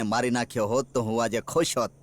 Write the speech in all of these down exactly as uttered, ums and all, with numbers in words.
મારી નાખ્યો હોત તો હું આજે ખુશ હોત.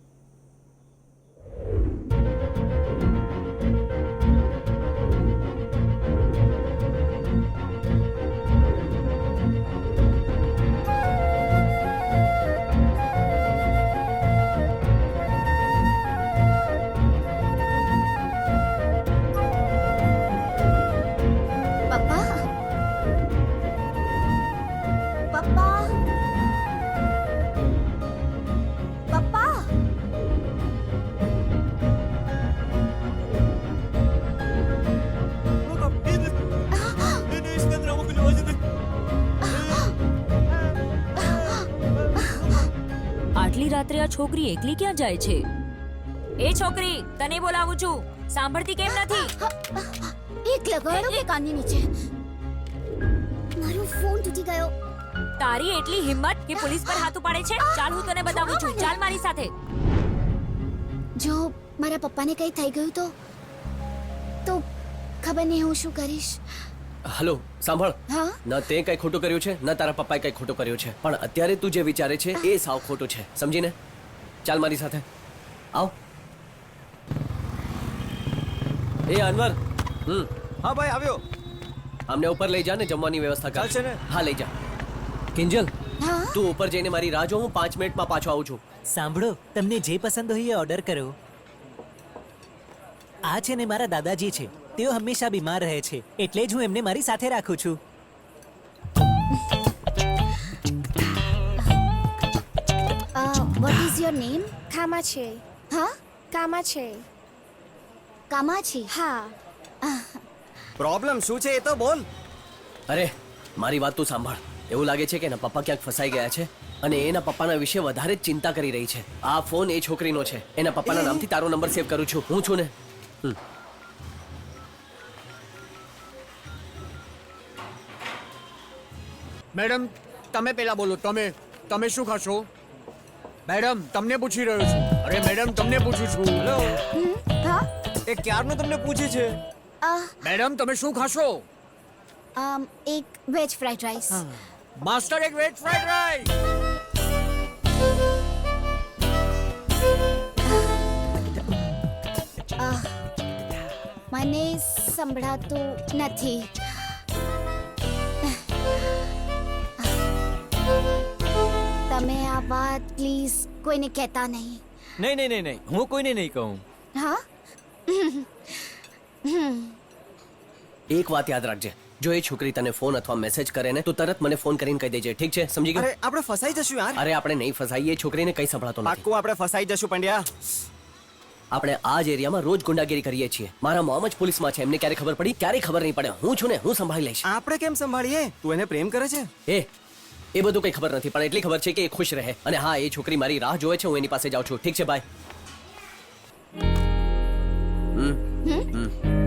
આટલી રાત્રે આ છોકરી એકલી ક્યાં જાય છે? એ છોકરી, તને બોલાવું છું, સાંભળતી કેમ નથી? એક લગાડો કે કાનની નીચે. મારો ફોન તૂટી ગયો. તારી એટલી હિંમત કે પોલીસ પર હાથ ઉપાડે છે? ચાલ હું તને બતાવું છું, ચાલ મારી સાથે. જો મારા પપ્પાને કંઈ થઈ ગયું તો તો ખબર નહીં હું શું કરીશ. હલો સાંભળ, હા ન તે કઈ ખોટું કર્યું છે ન તારા પપ્પાએ કઈ ખોટું કર્યું છે, પણ અત્યારે તું જે વિચારે છે એ સાવ ખોટું છે, સમજીને? ચાલ મારી સાથે આવ. એ અનવર, હમ હા ભાઈ આવ્યો. અમને ઉપર લઈ જા ને, જમવાની વ્યવસ્થા કર. ચાલશે ને? હા લઈ જા. કિંજલ, હા તું ઉપર જઈને મારી રાહ જો, હું પાંચ મિનિટમાં પાછો આવું છું. સાંભળો, તમને જે પસંદ હોય એ ઓર્ડર કરો. આ છે ને મારા દાદાજી છે, તેઓ હંમેશા બીમાર રહે છે, એટલે જ હું એમને મારી સાથે રાખું છું. What is your name? Kamachi. હા કામાછી. કામાછી. હા. પ્રોબ્લેમ શું છે એ તો બોલ. અરે મારી વાત તું સાંભળ. એવું લાગે છે કે એના પપ્પા ક્યાંક ફસાઈ ગયા છે અને એના પપ્પાના વિશે વધારે જ ચિંતા કરી રહી છે. આ ફોન એ છોકરીનો છે. એના પપ્પાના નામથી તારો નંબર સેવ કરું છું. હું છું ને. હમ. મેડમ તમે પેલા બોલો. તમે તમે શું ખાશો? મેડમ તમને પૂછી રહ્યો છું. અરે મેડમ તમને પૂછું છું. હેલો, હા એ ક્યારનું તમને પૂછે છે. અ, મેડમ તમે શું ખાશો? અમ, એક વેજ ફ્રાઈડ રાઈસ. માસ્ટર એક વેજ ફ્રાઈડ રાઈસ. મને સંભળાતું નથી. તમે આ વાત પ્લીઝ કોઈને કહેતા નહીં. નહીં નહીં નહીં નહીં હું કોઈને નહીં કહું. હા એક વાત યાદ રાખજે, જો એ છોકરી તને ફોન અથવા મેસેજ કરે ને તો તરત મને ફોન કરીને કહી દેજે, ઠીક છે? સમજી ગયો? અરે આપણે ફસાઈ જશું યાર. અરે આપણે નહીં ફસાઈએ, છોકરીને કઈ સંભળાતો નથી. પાક્કું આપણે ફસાઈ જશું પંડ્યા. આપણે આ જ એરિયામાં રોજ ગુંડાગીરી કરીએ છીએ. મારા મોમ જ પોલીસમાં છે, એમને ક્યારે ખબર પડી? ક્યારે ખબર નહીં પડે. હું છું ને, હું સંભાળી લઈશ. આપણે કેમ સંભાળીએ? તું એને પ્રેમ કરે છે? એ એ બધું કઈ ખબર નથી, પણ એટલી ખબર છે કે એ ખુશ રહે. અને હા, એ છોકરી મારી રાહ જોવે છે, હું એની પાસે જાઉં છું, ઠીક છે? બાય. હમ હમ